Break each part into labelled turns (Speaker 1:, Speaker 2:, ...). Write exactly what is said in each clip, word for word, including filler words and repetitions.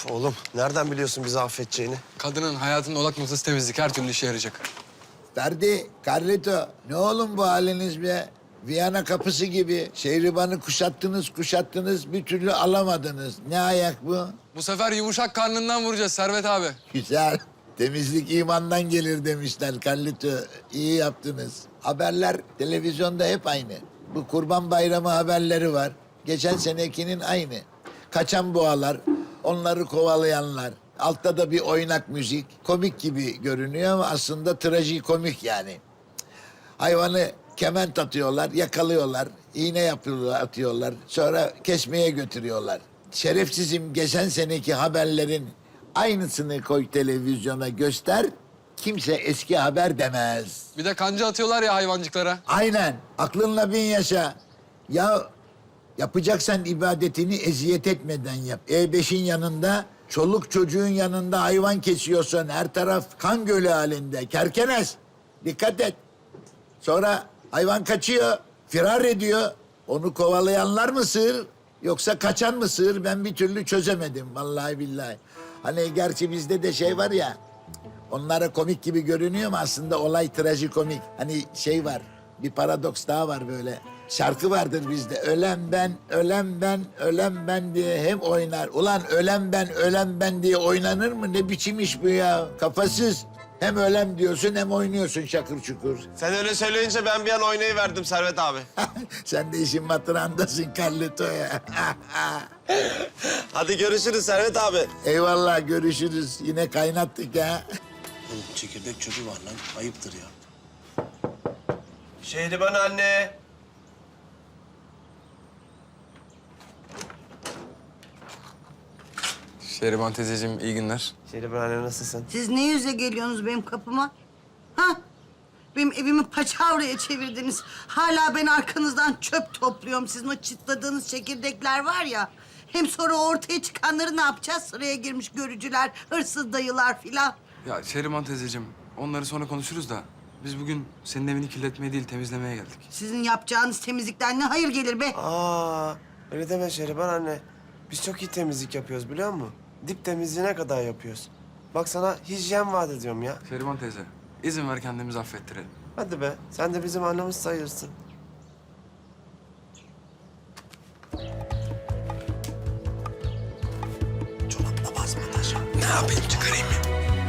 Speaker 1: Oğlum nereden biliyorsun bizi affedeceğini?
Speaker 2: Kadının hayatının odak noktası temizlik. Her türlü işe yarayacak.
Speaker 3: Ferdi, Carlito, ne oğlum bu haliniz be? Viyana kapısı gibi şehribanı kuşattınız kuşattınız bir türlü alamadınız. Ne ayak bu?
Speaker 2: Bu sefer yumuşak karnından vuracağız Servet abi.
Speaker 3: Güzel. Temizlik imandan gelir demişler Carlito. İyi yaptınız. Haberler televizyonda hep aynı. Bu Kurban Bayramı haberleri var. Geçen senekinin aynı. Kaçan boğalar, onları kovalayanlar. Altta da bir oynak müzik. Komik gibi görünüyor ama aslında trajikomik yani. Hayvanı kement atıyorlar, yakalıyorlar, iğne yapıyorlar, atıyorlar. Sonra kesmeye götürüyorlar. Şerefsizim, geçen seneki haberlerin aynısını koy televizyona göster. Kimse eski haber demez.
Speaker 2: Bir de kanca atıyorlar ya hayvancıklara.
Speaker 3: Aynen. Aklınla bin yaşa. Ya yapacaksan ibadetini eziyet etmeden yap. E beşin yanında, çoluk çocuğun yanında hayvan kesiyorsun. Her taraf kan gölü halinde. Kerkenes. Dikkat et. Sonra hayvan kaçıyor, firar ediyor. Onu kovalayanlar mı sığır, yoksa kaçan mı sığır? Ben bir türlü çözemedim vallahi billahi. Hani gerçi bizde de şey var ya, onlara komik gibi görünüyor ama aslında olay trajikomik. Hani şey var, bir paradoks daha var böyle. Şarkı vardır bizde. Ölen ben, ölen ben, ölen ben diye hem oynar. Ulan ölen ben, ölen ben diye oynanır mı? Ne biçim iş bu ya? Kafasız. Hem ölem diyorsun hem oynuyorsun şakır çukur.
Speaker 1: Sen öyle söyleyince ben bir an oynayıverdim Servet abi.
Speaker 3: Sen de işin matırandasın Carlito ya.
Speaker 1: Hadi görüşürüz Servet abi.
Speaker 3: Eyvallah, görüşürüz. Yine kaynattık ha.
Speaker 4: Oğlum çekirdek çocuğu var lan. Ayıptır ya.
Speaker 1: Şehriban anne.
Speaker 2: Şehriban teyzeciğim iyi günler.
Speaker 1: Şehriban anne nasılsın?
Speaker 5: Siz ne yüze geliyorsunuz benim kapıma? Ha? Benim evimi paçavraya çevirdiniz. Hala ben arkanızdan çöp topluyorum. Sizin o çıtladığınız çekirdekler var ya. Hem sonra ortaya çıkanları ne yapacağız? Sıraya girmiş görücüler, hırsız dayılar filan.
Speaker 2: Ya Şehriban teyzeciğim onları sonra konuşuruz da... biz bugün senin evini kirletmeye değil temizlemeye geldik.
Speaker 5: Sizin yapacağınız temizlikten ne hayır gelir be?
Speaker 1: Aa, öyle deme Şehriban anne. Biz çok iyi temizlik yapıyoruz biliyor musun? Dip temizliğine kadar yapıyoruz. Bak sana hijyen vaat ediyorum ya.
Speaker 2: Şehriban teyze izin ver kendimizi affettirelim.
Speaker 1: Hadi be, sen de bizim annemiz sayılırsın.
Speaker 4: Çorapla basma taşı. Ne yapayım çıkarayım mı?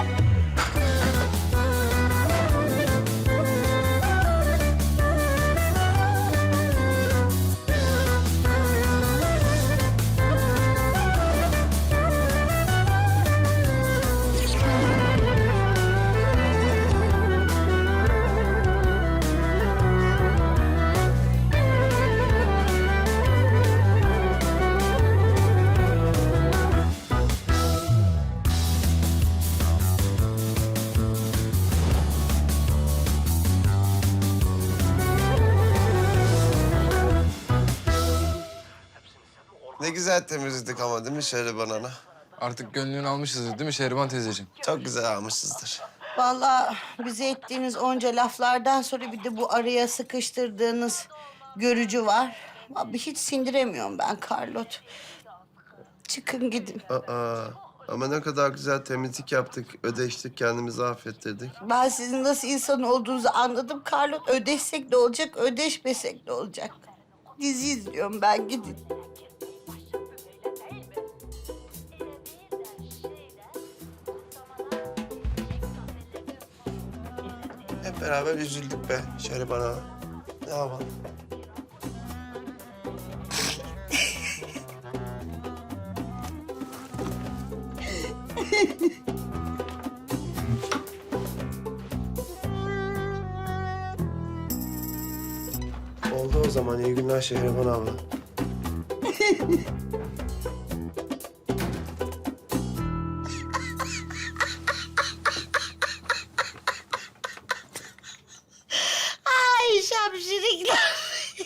Speaker 1: Ne güzel temizledik ama değil mi Şehriban ana?
Speaker 2: Artık gönlünü almışızdır değil mi Şehriban teyzeciğim?
Speaker 1: Çok güzel almışızdır.
Speaker 5: Vallahi bize ettiğiniz onca laflardan sonra bir de bu araya sıkıştırdığınız görücü var. Abi hiç sindiremiyorum ben Carlot. Çıkın gidin.
Speaker 1: Aa, ama ne kadar güzel temizlik yaptık, ödeştik, kendimizi affettirdik.
Speaker 5: Ben sizin nasıl insan olduğunuzu anladım Carlot. Ödeşsek de olacak, ödeşmesek de olacak. Dizi izliyorum ben, gidin.
Speaker 1: Hep beraber üzüldük be Şehriban ana. Ne yapalım? Oldu o zaman. İyi günler Şehriban abla.
Speaker 5: Ay şapşirikler.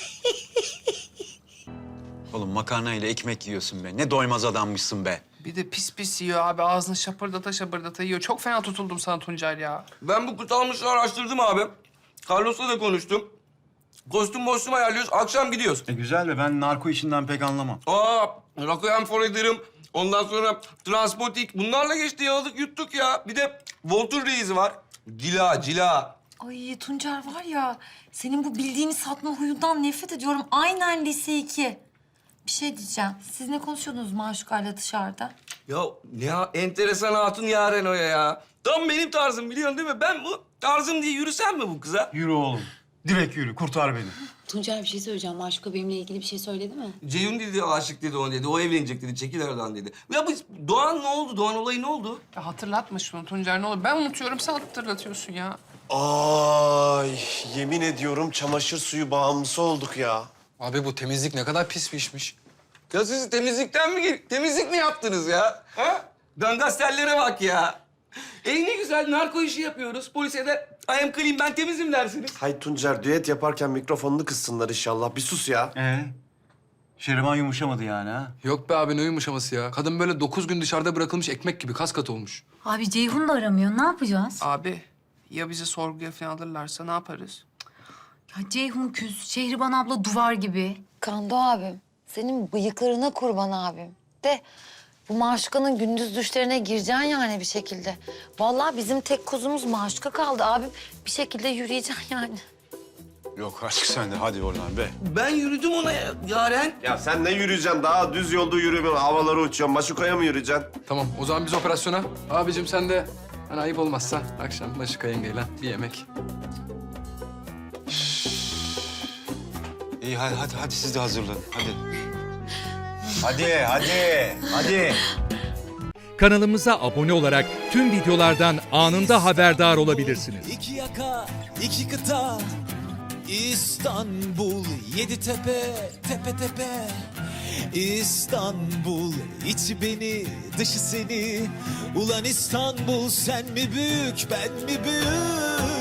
Speaker 6: Oğlum makarnayla ekmek yiyorsun be. Ne doymaz adammışsın be.
Speaker 7: Bir de pis pis yiyor abi. Ağzını şapırdata şapırdata yiyor. Çok fena tutuldum sana Tuncel ya.
Speaker 8: Ben bu kutalmışları araştırdım abi. Carlos'la da konuştum. Kostüm mostüm ayarlıyoruz. Akşam gidiyoruz.
Speaker 6: E güzel de ben narko işinden pek anlamam.
Speaker 8: Aa, Rakoyan Forader'ım. Ondan sonra Transpotik. Bunlarla geçti yaladık yuttuk ya. Bir de Voltur Reis'i var. Cila, cila.
Speaker 9: Ay Tuncer var ya, senin bu bildiğini satma huyundan nefret ediyorum. Aynen lise iki. Bir şey diyeceğim. Siz ne konuşuyordunuz Maşuka'yla dışarıda?
Speaker 8: Ya ne ya, enteresan hatun Yaren o ya. Tam benim tarzım biliyorsun değil mi? Ben bu tarzım diye yürüsem mi bu kıza?
Speaker 6: Yürü oğlum. Direkt yürü. Kurtar beni.
Speaker 10: Tuncer bir şey söyleyeceğim. Maşuka benimle ilgili bir şey söyledi mi?
Speaker 8: Ceyhun dedi, aşık dedi ona dedi. O evlenecek dedi, çekil aradan dedi. Ya bu Doğan ne oldu? Doğan olayı ne oldu?
Speaker 7: Ya hatırlatma şunu Tuncer ne olur. Ben unutuyorum sen hatırlatıyorsun ya.
Speaker 1: Ay yemin ediyorum çamaşır suyu bağımlısı olduk ya.
Speaker 2: Abi bu temizlik ne kadar pis bir işmiş.
Speaker 8: Ya siz temizlikten mi gel- temizlik mi yaptınız ya? Ha? Gangasterlere bak ya. E ne güzel narko işi yapıyoruz. Polise de I am clean, ben temizim dersiniz.
Speaker 1: Hay Tuncer düet yaparken mikrofonunu kıssınlar inşallah. Bir sus ya.
Speaker 6: Ee? Şeriman yumuşamadı yani ha?
Speaker 2: Yok be abi ne yumuşaması ya. Kadın böyle dokuz gün dışarıda bırakılmış ekmek gibi kas katı olmuş.
Speaker 9: Abi Ceyhun da aramıyor. Ne yapacağız?
Speaker 7: Abi ya bizi sorguya falan alırlarsa ne yaparız?
Speaker 9: Ya Ceyhun küs, Şehriban abla duvar gibi.
Speaker 10: Kando abim. Senin bıyıklarına kurban abim. De bu Maşuka'nın gündüz düşlerine gireceksin yani bir şekilde. Vallahi bizim tek kuzumuz Maşuka kaldı abim. Bir şekilde yürüyeceksin yani.
Speaker 6: Yok artık sen de hadi oradan be.
Speaker 8: Ben yürüdüm ona ya, Yaren.
Speaker 1: Ya sen ne yürüyeceksin? Daha düz yolda yürüyorum. Havalara uçuyorsun. Maşukaya mı yürüyeceksin?
Speaker 2: Tamam o zaman biz operasyona. Abicim sen de hani ayıp olmazsa akşam Maşuka yengeyle bir yemek.
Speaker 6: İyi hadi hadi, hadi siz de hazırlanın. Hadi. Hadi hadi hadi.
Speaker 11: Kanalımıza abone olarak tüm videolardan anında haberdar olabilirsiniz.
Speaker 4: İki yaka, iki kıta, İstanbul, yedi tepe, tepe tepe. İstanbul, içi beni, dışı seni. Ulan İstanbul, sen mi büyük, ben mi büyük?